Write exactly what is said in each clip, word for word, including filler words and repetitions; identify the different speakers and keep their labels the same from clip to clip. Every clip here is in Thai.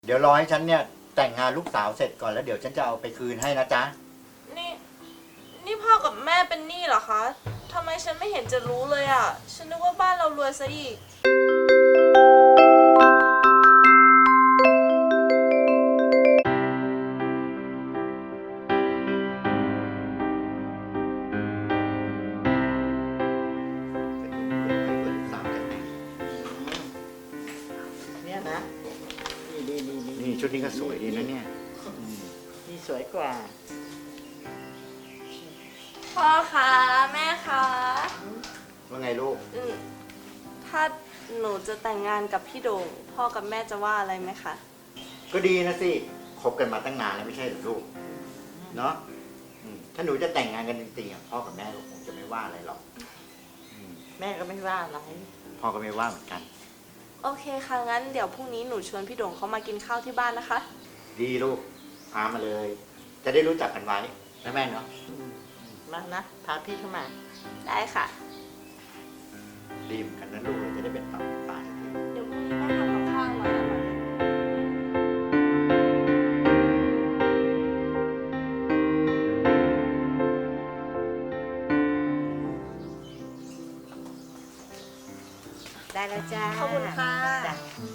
Speaker 1: เดี๋ยวรอให้ฉันเนี่ยแต่งงานลูกสาวเสร็จก่อนแล้วเดี๋ยวฉันจะเอาไปคืนให้นะจ๊ะ
Speaker 2: นี่ นี่พ่อกับแม่เป็นหนี้เหรอคะทำไมฉันไม่เห็นจะรู้เลยอ่ะ ฉันนึกว่าบ้านเรารวยซะอีก
Speaker 3: เนี่ยนะนี่ดีดีดี
Speaker 1: นี่ชุดนี้ก็สวยดีนะเนี่ย
Speaker 3: นี่สวยกว่า
Speaker 2: พ่อคะแม่คะ
Speaker 1: ว่าไงลูก
Speaker 2: อืมถ้าหนูจะแต่งงานกับพี่โด่งพ่อกับแม่จะว่าอะไรไหมคะ
Speaker 1: ก็ดีนะสิคบกันมาตั้งนานแล้วไม่ใช่หรือลูกเนาะอืมถ้าหนูจะแต่งงานกันจริงๆอ่ะพ่อกับแม่ก็คงจะไม่ว่าอะไรหรอกอืม
Speaker 3: แม่ก็ไม่ว่าอะไร
Speaker 1: พ่อก็ไม่ว่าเหมือนกัน
Speaker 2: โอเคค่ะงั้นเดี๋ยวพรุ่งนี้หนูชวนพี่โด่งเขามากินข้าวที่บ้านนะคะ
Speaker 1: ดีลูกพามาเลย จะได้รู้จักกันไว้นะแม่เนาะ
Speaker 3: มานะพาพี่เข้ามา
Speaker 2: ได้ค่ะ
Speaker 1: ดีเหมือนกันนะลูกเราจะได้เป็นฝั่งเป็นฝาสักที
Speaker 2: เดี๋ยวพรุ่งนี้แม่ทำกับข้าวอร่อยอร่อยเลย
Speaker 3: ได้แล้วจ้า
Speaker 2: ขอบคุณค่ะ
Speaker 3: จ้ะ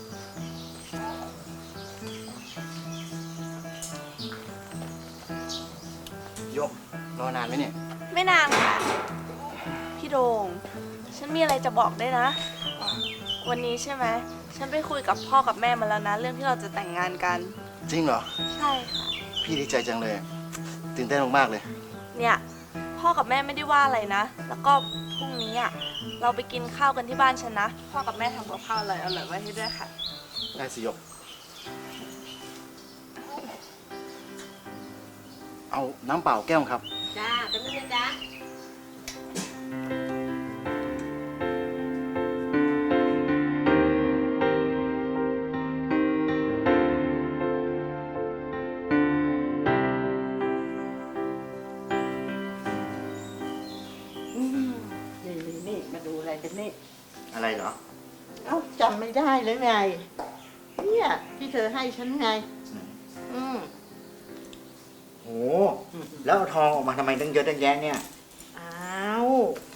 Speaker 1: ยกรอนานไหมเนี่ย
Speaker 2: ไม่นานค่ะ พี่โด่งฉันมีอะไรจะบอกได้วยนะ วันนี้ใช่ไหม ฉันไปคุยกับพ่อกับแม่มาแล้วนะ เรื่องที่เราจะแต่งงานกัน
Speaker 4: จริงเหรอ
Speaker 2: ใช่ค่ะ
Speaker 4: พี่ดีใจจังเลย ตื่นเต้นมากๆเลย
Speaker 2: เนี่ย พ่อกับแม่ไม่ได้ว่าอะไรนะ แล้วก็พรุ่งนี้อ่ะ เราไปกินข้าวกันที่บ้านฉันนะ พ่อกับแม่ทำกับข้าวอร่อยอร่อยไว้ให้ด้วยค่ะ
Speaker 4: ได้สิยก เอาน้ำเปล่าแก้วครับ
Speaker 3: จ้าเป็นไงจ้าอืมนี่นี่นี่มาดูอะไรกันนี่
Speaker 1: อะไรเหรอ
Speaker 3: เอ้าจำไม่ได้หรือไง เนี่ยที่เธอให้ฉันไง อืม
Speaker 1: โหแล้วเอาทองออกมาทำไมตั้งเยอะตั้งแยะเนี่ย
Speaker 3: อ้าว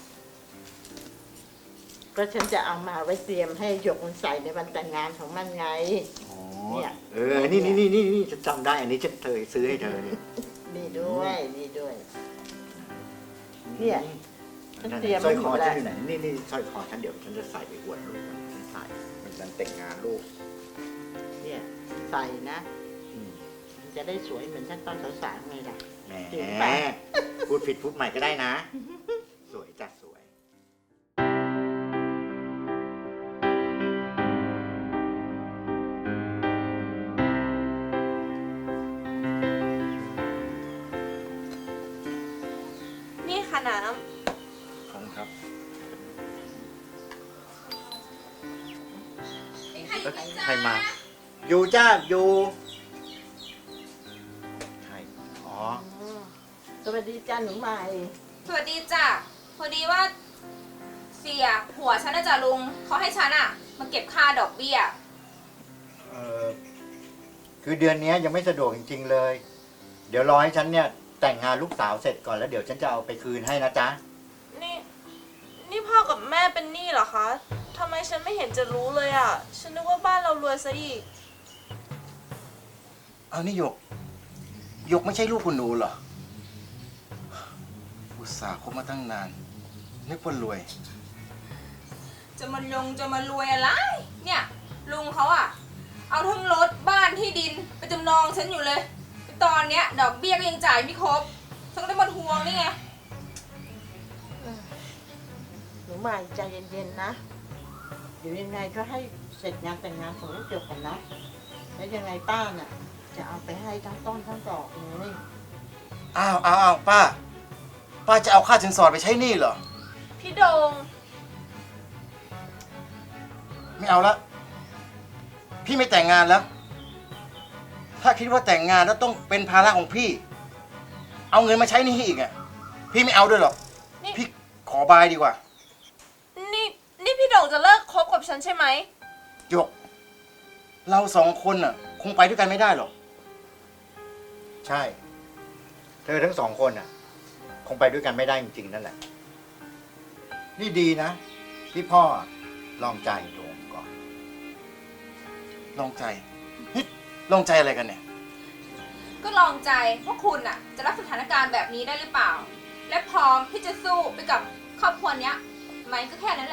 Speaker 3: ก็ฉันจะเอามาไว้เตรียมให้หยกมันใส่ในวันแต่งงานของมันไง
Speaker 1: อ๋อ
Speaker 3: เนี่ย
Speaker 1: เออ นี่นี่นี่นี่นี่ฉันจำได้ อันนี้ฉันเคยซื้อให้เธอนี่
Speaker 3: นี่ด้วยนี่ด้วย เนี่ย ฉันเตรียม
Speaker 1: สร้อยคอ
Speaker 3: ไว้หมดแล้
Speaker 1: ฉัน
Speaker 3: ว
Speaker 1: อยู่ไหน นี่นี่สร้อยคอฉันเดี๋ยวฉันจะใส่ไปอวดลูกฉันใส่เป็นการแต่งงานลูก
Speaker 3: เนี่ยใส่นะ
Speaker 1: อืม
Speaker 3: มันจะได้สวยเหมือนฉันตอนสาวๆไงล่ะ
Speaker 1: แหม
Speaker 3: จริงปะ
Speaker 1: พูดผิดพูดใหม่ก็ได้นะ สวยจ้ะสวย
Speaker 2: นี่ค่ะน้
Speaker 4: ขอบคุณครับ
Speaker 1: เอ้ยใครมา อยู่จ้าอยู่ใครอ๋อ
Speaker 3: อืมสวัสดีจ้าหนูใหม่
Speaker 5: สวัสดีจ้ะ พอดีว่าเสียหัวฉันนะจ๊ะลุงเขาให้ฉันอะมาเก็บค่าดอกเบี้ย
Speaker 1: เออคือเดือนนี้ยังไม่สะดวกจริง ๆ เลย เดี๋ยวรอให้ฉันเนี่ยแต่งงานลูกสาวเสร็จก่อนแล้วเดี๋ยวฉันจะเอาไปคืนให้นะจ๊ะ
Speaker 2: ำนี่ นี่พ่อกับแม่เป็นหนี้เหรอคะทำไมฉันไม่เห็นจะรู้เลยอ่ะ ฉันนึกว่าบ้านเรารวยซะอีก
Speaker 4: เอานี่หยกหยกไม่ใช่ลูกคุณหนูเหรอ อุตส่าห์คบมาตั้งนาน นึกว่ารวย
Speaker 5: จะมาลงจะมารวยอะไร เนี่ย ลุงเขาอะเอาทั้งรถบ้านที่ดินไปจำนองฉันอยู่เลย ตอนเนี้ยดอกเบี้ยก็ยังจ่ายไม่ครบฉันก็ได้มาทวงนี่ไง
Speaker 3: หนูใหม่ใจเย็นๆนะ เดี๋ยวยังไงก็ให้เสร็จงานแต่งงานของลูกหยกกันนะ แล้วยังไงป้าน่ะ จะเอาไปให้ทั้งต้นทั้งดอกเลย
Speaker 4: อ้าวอ้าวอ้าวป้า ป้าจะเอาค่าสินสอดไปใช้หนี้เหรอ
Speaker 2: พี่โด่ง
Speaker 4: ไม่เอาละพี่ไม่แต่งงานแล้ว ถ้าคิดว่าแต่งงานแล้วต้องเป็นภาระของพี่ เอาเงินมาใช้หนี้อีกอ่ะ พี่ไม่เอาด้วยหรอก
Speaker 2: นี่
Speaker 4: พี่ขอบายดีกว่า
Speaker 2: นี่ นี่พี่โด่งจะเลิกคบกับฉันใช่ไหม
Speaker 4: หยก เราสองคนน่ะคงไปด้วยกันไม่ได้หรอก
Speaker 1: ใช่ เธอทั้งสองคนอ่ะ คงไปด้วยกันไม่ได้จริงๆนั่นแหละ นี่ดีนะ ที่พ่อลองใจโดมก่อน
Speaker 4: ลองใจนี่ลองใจอะไรกันเนี่ย
Speaker 5: ก็ลองใจว่าคุณอ่ะ จะรับสถานการณ์แบบนี้ได้หรือเปล่า และพร้อมที่จะสู้ไปกับครอบครัวเนี้ยไหมก็แค่นั้นแหละ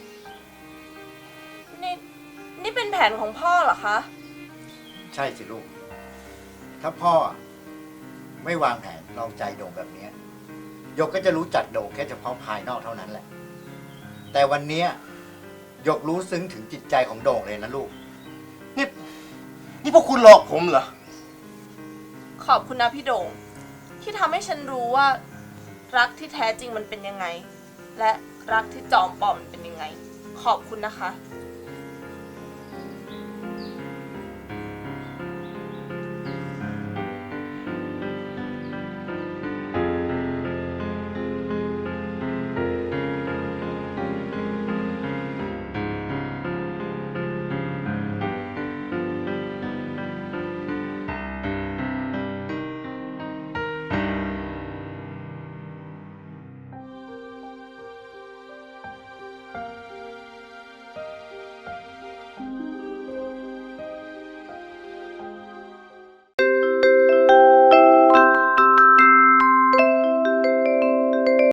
Speaker 2: นี่นี่เป็นแผนของพ่อเหรอคะ
Speaker 1: ใช่สิลูก ถ้าพ่อไม่วางแผนลองใจโด่งแบบเนี้ยหยกก็จะรู้จักโด่งแค่เฉพาะภายนอกเท่านั้นแหละ แต่วันเนี้ยหยกรู้ซึ้งถึงจิตใจของโด่งเลยนะลูก
Speaker 4: นี่นี่พวกคุณหลอกผมเหรอ
Speaker 2: ขอบคุณนะพี่โด่งที่ทำให้ฉันรู้ว่า รักที่แท้จริงมันเป็นยังไง และรักที่จอมปลอมมันเป็นยังไง ขอบคุณนะคะ